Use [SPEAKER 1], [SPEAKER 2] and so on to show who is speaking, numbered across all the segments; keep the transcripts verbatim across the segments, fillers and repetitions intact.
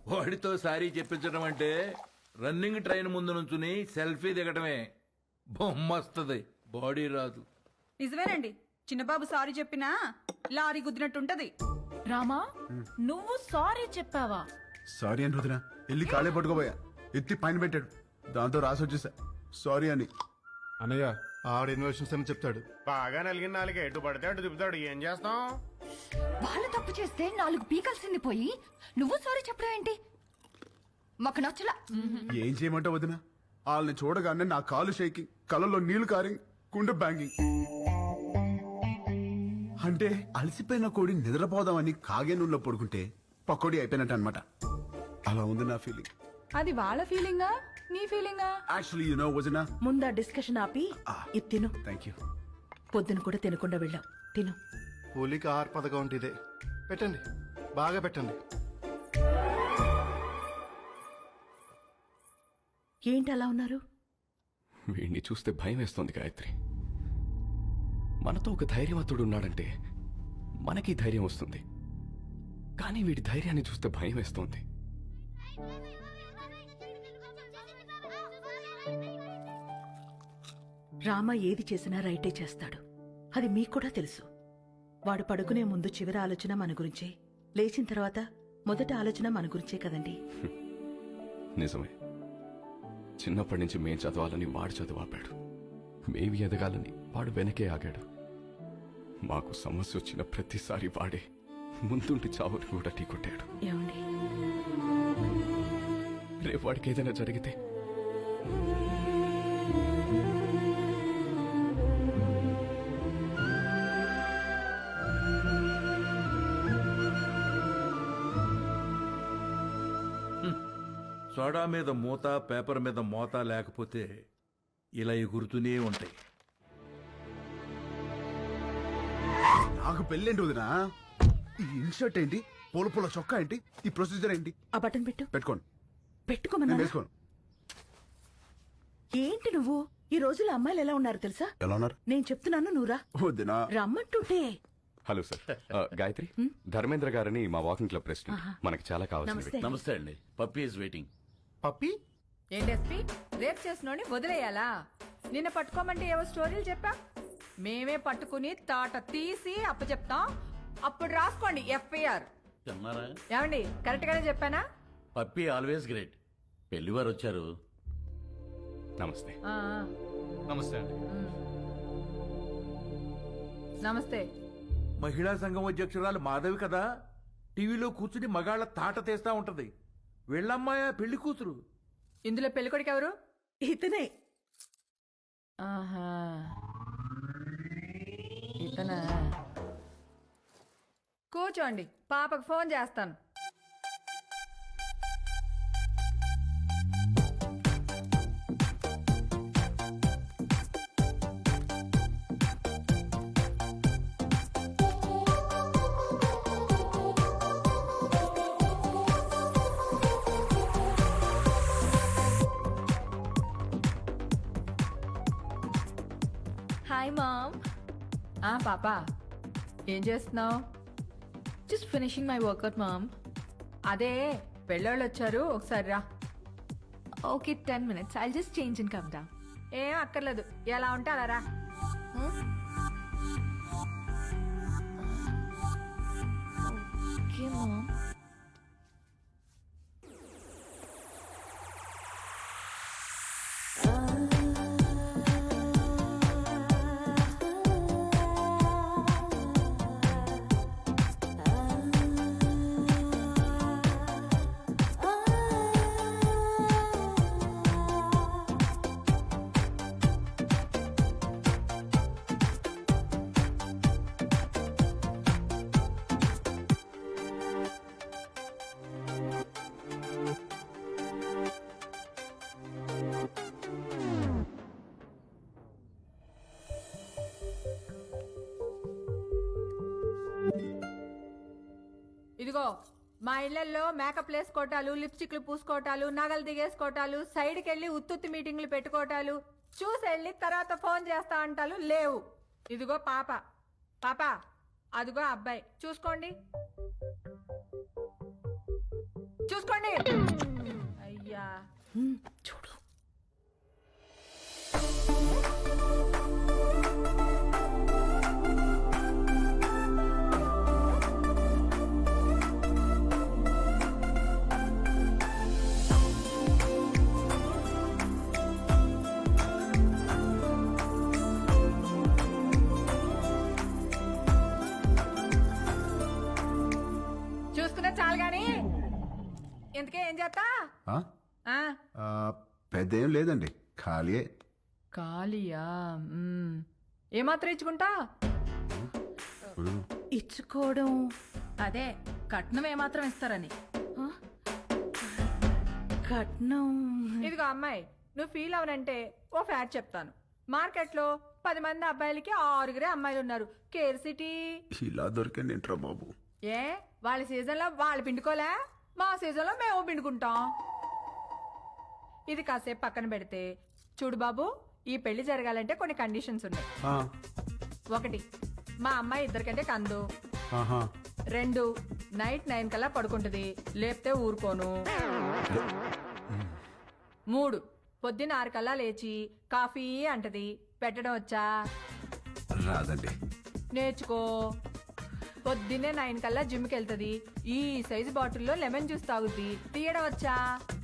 [SPEAKER 1] వాడితో సారీ చెప్పించడం అంటే running train ముందు నుంచుని సెల్ఫీ దిగటమే. బొమ్మస్తుంది, బాడీ రాదు.
[SPEAKER 2] నిజమేనండి, చిన్నబాబు సారీ చెప్పినా లారీ గుద్దినట్టుంటది.
[SPEAKER 3] రామా నువ్వు సారీ చెప్పావా?
[SPEAKER 4] సారీ అని వదినా వెళ్ళి కాళ్ళే పట్టుకోబోయా, ఎత్తి పైన పెట్టాడు, దాంతో రాసి వచ్చేసా సారీ అని.
[SPEAKER 5] అన్నయ్య ఆవిడ ఇన్వెషన్స్ అని చెప్తాడు.
[SPEAKER 6] బాగా నలిగిన నాలుగు ఎటు పడితే అటు తిప్పుతాడు. ఏం చేస్తాం?
[SPEAKER 7] వాళ్ళు తప్పు చేస్తే నాలుగు పీకల్సింది పోయి నువ్వు సారీ చెప్పడం ఏంటి? మాకు నచ్చలా.
[SPEAKER 4] ఏం చేయమంటావు వదినా, వాళ్ళని చూడగానే నా కాలు షేకింగ్, కళ్ళలో నీళ్లు కారింగ్, గుండె బ్యాంగింగ్. అంటే అలసిపోయిన కోడి నిద్రపోదామని కాగే నూనెలో పడుకుంటే పకోడీ అయిపోయినట్టు అనమాట. అలా ఉంది నా ఫీలింగ్.
[SPEAKER 3] అది వాళ్ళ ఫీలింగా నీ ఫీలింగా?
[SPEAKER 4] యాక్చువల్లీ యు నో వదినా,
[SPEAKER 8] ముందా డిస్కషన్ ఆపి ఇది తిను.
[SPEAKER 4] Thank you.
[SPEAKER 8] పొద్దున కూడా తినకుండా వెళ్ళాం, తిను.
[SPEAKER 5] కూలికి ఆహార పథకం అంటే ఇదే. పెట్టండి, బాగా పెట్టండి.
[SPEAKER 8] ఏంటి అలా ఉన్నారు?
[SPEAKER 9] వీడిని చూస్తే భయం వేస్తోంది గాయత్రి. మనతో ఒక ధైర్యవంతుడు ఉన్నాడంటే మనకి ధైర్యం వస్తుంది, కానీ వీడి ధైర్యాన్ని చూస్తే భయం వేస్తోంది.
[SPEAKER 8] రామ ఏది చేసినా రైటే చేస్తాడు, అది మీకు కూడా తెలుసు. వాడు పడుకునే ముందు చివరి ఆలోచన మన గురించే, లేచిన తర్వాత మొదటి ఆలోచన మన గురించే కదండి.
[SPEAKER 9] నిజమే, చిన్నప్పటి నుంచి మేం చదవాలని వాడు చదువాపాడు, మేవి ఎదగాలని వాడు వెనకే ఆగాడు. మాకు సమస్య వచ్చిన ప్రతిసారి వాడే ముందుండి చావుని కూడా ఢీకొట్టాడు.
[SPEAKER 8] ఏమండి,
[SPEAKER 9] రేపు వాడికి ఏదైనా జరిగితే
[SPEAKER 1] సోడా మీద మూత, పేపర్ మీద మోత లేకపోతే ఇలా ఎగురుతూనే ఉంటాయి.
[SPEAKER 4] నాకు పెళ్ళేంటి వదినా? ఈ ఇన్షర్ట్ ఏంటి, పూల పూల చొక్కా ఏంటి, ఈ ప్రొసీజర్ ఏంటి?
[SPEAKER 8] ఆ బటన్ పెట్టు.
[SPEAKER 4] పెట్టుకోండి.
[SPEAKER 8] పెట్టుకోమన్నా.
[SPEAKER 4] వేసుకోండి.
[SPEAKER 8] ఏంటి నువ్వు? ఈ రోజుల్లో అమ్మాయిలు ఎలా ఉన్నారు తెలుసా?
[SPEAKER 4] ఎలా ఉన్నారు?
[SPEAKER 8] నేను చెప్తున్నాను, నువ్వురా.
[SPEAKER 4] వదినా
[SPEAKER 8] రమ్మంటుంటే.
[SPEAKER 9] హలో సార్, ఆ, గాయత్రి, ధర్మేంద్ర గారని మా వాకింగ్ క్లబ్ ప్రెసిడెంట్, మనకి చాలా కావాల్సింది.
[SPEAKER 8] నమస్తే.
[SPEAKER 10] నమస్తే అండి. Puppy is waiting.
[SPEAKER 5] పప్పి
[SPEAKER 3] ఏంటెస్పీ రేప్ చేసినోని వదిలేయాలా? నిన్న పట్టుకోమంటే ఏవో స్టోరీలు చెప్పా, మేమే పట్టుకుని తాట తీసి అప్పచెప్తాం, అప్పుడు రాసుకోండి ఎఫ్ఐఆర్.
[SPEAKER 10] చెన్నారా?
[SPEAKER 3] ఏమండి కరెక్ట్ గానే చెప్పానా?
[SPEAKER 10] Puppy always great. పెళ్లివారు వచ్చారు.
[SPEAKER 9] నమస్తే.
[SPEAKER 3] ఆ, ఆ.
[SPEAKER 5] నమస్తే అండి.
[SPEAKER 3] ఉమ్. నమస్తే.
[SPEAKER 1] మహిళా సంఘం అధ్యక్షురాలు మాధవి కదా, టీవీలో కూర్చుని మగాళ్ళ తాట తీస్తా ఉంటది. వీళ్ళమ్మాయ పెళ్లి కూతురు.
[SPEAKER 3] ఇందులో పెళ్ళికొడుకు ఎవరు?
[SPEAKER 8] ఇతనే.
[SPEAKER 3] ఆహా, ఇతనా? కూర్చోండి, పాపకు ఫోన్ చేస్తాను.
[SPEAKER 7] Hi mom.
[SPEAKER 3] ఆ పాప, ఏం చేస్తున్నావు?
[SPEAKER 7] Just finishing my workout mom.
[SPEAKER 3] అదే పెళ్ళోళ్ళు వచ్చారు, ఒకసారి రా.
[SPEAKER 7] Okay, ten minutes. I'll just change and come down.
[SPEAKER 3] ఏం అక్కర్లేదు, ఎలా ఉంటే అలా రా.
[SPEAKER 7] Okay mom.
[SPEAKER 3] ఇదిగో, మా ఇళ్లలో మేకప్ వేసుకోవటాలు, లిప్స్టిక్లు పూసుకోవటాలు, నగలు దిగేసుకోవటాలు, సైడ్కి వెళ్ళి ఉత్తుత్తి మీటింగ్లు పెట్టుకోవటాలు, చూసి వెళ్ళి తర్వాత ఫోన్ చేస్తా అంటాలు లేవు. ఇదిగో పాప, పాప అదిగో అబ్బాయి, చూసుకోండి. చూసుకోండి అయ్యా
[SPEAKER 8] ఉమ్, చూడు
[SPEAKER 3] చూసుకున్నా చాలు గాని ఇంతకే ఏం చేస్తా
[SPEAKER 4] ఆ?
[SPEAKER 3] ఆ,
[SPEAKER 4] ఆ, పెద్ద ఏం లేదండి ఖాళీయే.
[SPEAKER 3] ఖాళీయా మ్మ్. ఏమాత్రం ఇచ్చుకుంటా
[SPEAKER 8] ఇచ్చుకోవడం
[SPEAKER 2] అదే కట్నం ఏమాత్రం ఇస్తారని.
[SPEAKER 8] ఆ? కట్నం
[SPEAKER 3] ఇదిగో అమ్మాయి నువ్వు ఫీల్ అవనంటే ఓ ఫ్యాక్ట్ చెప్తాను. మార్కెట్లో పది మంది అబ్బాయిలకి ఆరుగురే అమ్మాయిలు ఉన్నారు. కేర్ సిటీ
[SPEAKER 4] ఇలా దొరికింది ఏంట్రా బాబు.
[SPEAKER 3] ఏ వాళ్ళ సీజన్లో వాళ్ళు పిండుకోలే, మా సీజన్లో మేము పిండుకుంటాం. ఇది కాసేపు పక్కన పెడితే చూడు బాబు, ఈ పెళ్లి జరగాలంటే కొన్ని కండిషన్స్ ఉన్నాయి.
[SPEAKER 4] ఆ,
[SPEAKER 3] ఒకటి, మా అమ్మాయి ఇద్దరికంటే కందు.
[SPEAKER 4] ఆహా.
[SPEAKER 3] రెండు, నైట్ నైన్ కల్లా పడుకుంటుంది, లేపితే ఊరుకోను. మూడు, పొద్దున్న ఆరు కల్లా లేచి కాఫీ అంటది, పెట్టడం వచ్చా?
[SPEAKER 4] రాదండి.
[SPEAKER 3] నేర్చుకో. పొద్దున్నే నైన్ కల్లా జిమ్కి వెళ్తుంది, ఈ సైజు బాటిల్లో లెమన్ జ్యూస్ తాగుద్ది, తీయడం వచ్చా?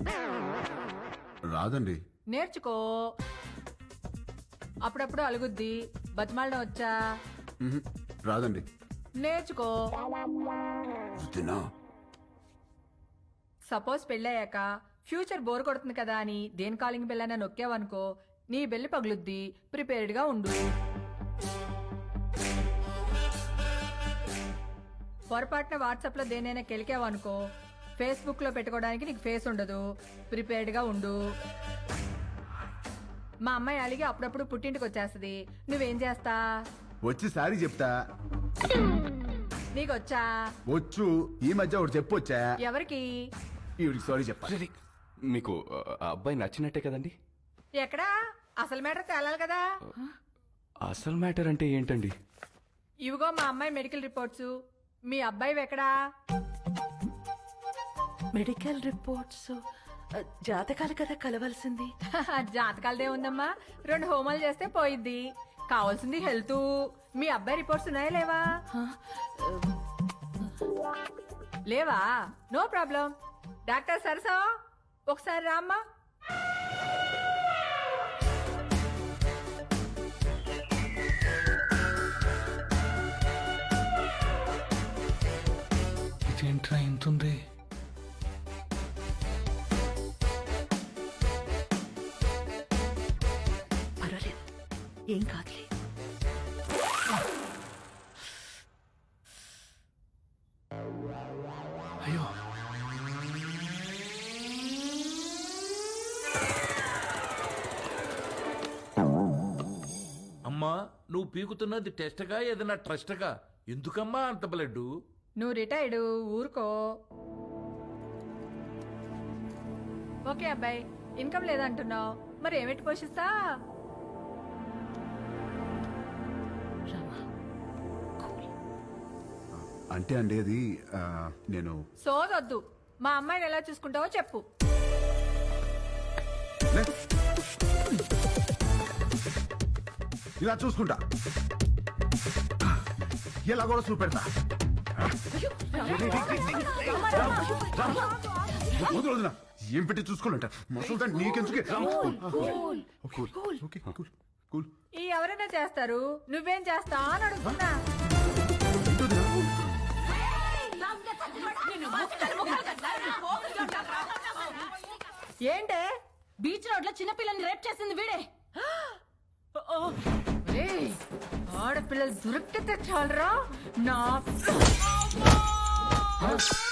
[SPEAKER 4] రాదండి.
[SPEAKER 3] నేర్చుకో. అప్పుడప్పుడు అలుగుద్ది, బతిమాలడం వచ్చా?
[SPEAKER 4] మ్హూ. రాదండి.
[SPEAKER 3] నేర్చుకో.
[SPEAKER 4] వద్దునా?
[SPEAKER 3] సపోజ్ పెళ్ళయ్యాక ఫ్యూచర్ బోర్ కొడుతుంది కదా అని దేని కాలింగ్ బెల్ నొక్కావనుకో, నీ బెల్లి పగులుద్ది, ప్రిపేర్డ్ గా ఉండు. పొరపాటున వాట్సాప్ లో దేనైనా కెలికావనుకో, ఫేస్బుక్ లో పెట్టుకోవడానికి నీకు ఫేస్ ఉండదు, ప్రిపేర్డ్ గా ఉండు. మా అమ్మాయి అలిగి అప్పుడప్పుడు పుట్టింటికి వచ్చేస్తుంది, నువ్వేం చేస్తా?
[SPEAKER 4] వచ్చి సారీ చెప్తా.
[SPEAKER 3] నీకు వచ్చా?
[SPEAKER 4] వచ్చు. ఈ మధ్య ఒకటి చెప్పొచ్చా?
[SPEAKER 3] ఎవరికి?
[SPEAKER 4] ఈవిడికి సారీ చెప్పాలి.
[SPEAKER 9] మీకు ఆ అబ్బాయి నచ్చినట్టే కదండి?
[SPEAKER 3] ఎక్కడా? అసలు మ్యాటర్ తేలాలి కదా.
[SPEAKER 9] అసలు మ్యాటర్ అంటే ఏంటండి?
[SPEAKER 3] ఇవిగో మా అమ్మాయి మెడికల్ రిపోర్ట్స్. మీ అబ్బాయి ఎక్కడా?
[SPEAKER 8] మెడికల్ రిపోర్ట్స్ ఆ, జాతకాలు కదా కలవాల్సింది.
[SPEAKER 3] జాతకాలదే ఉందమ్మా, రెండు హోమాలు చేస్తే పోయిద్ది. కావాల్సింది హెల్త్. మీ అబ్బాయి రిపోర్ట్స్ ఉన్నాయా లేవా?
[SPEAKER 8] ఆ,
[SPEAKER 3] లేవా? No problem. డాక్టర్ సరసా ఒకసారి రామ్మా.
[SPEAKER 1] ఇదేంట్రా ఇంతుంది?
[SPEAKER 8] పర్వాలేదు, ఏం కాదులే.
[SPEAKER 1] అయ్యో, అమ్మా నువ్వు పీకుతున్నది టెస్ట్గా ఏదైనా ట్రస్ట్గా? ఎందుకమ్మా అంత బ్లడ్?
[SPEAKER 3] నువ్వు రిటైర్డ్, ఊరుకో. ఓకే అబ్బాయి, ఇన్కమ్ లేదంటున్నావు, మరి ఏమిటి పోషిస్తా?
[SPEAKER 8] రామా, కూల్.
[SPEAKER 4] అంటే అండి అది ఆ, నేను
[SPEAKER 3] సోదొద్దు. మా అమ్మాయిని ఎలా చూసుకుంటావో చెప్పు.
[SPEAKER 4] లే. ఇలా చూసుకుంటా, ఎలా కూడా చూపెడతా. వద్దు వదినా, ఏం పెట్టి చూసుకోవాలంట మసలు నీకెందుకే. Cool okay cool cool.
[SPEAKER 3] ఈ ఎవరైనా చేస్తారు, నువ్వేం చేస్తా అని అడుగుతున్నా. ఏంటే?
[SPEAKER 2] బీచ్ రోడ్ లో చిన్నపిల్లని రేప్ చేసింది వీడే.
[SPEAKER 3] ఏయ్, ఆడపిల్లలు దొరికితే చాలరా నా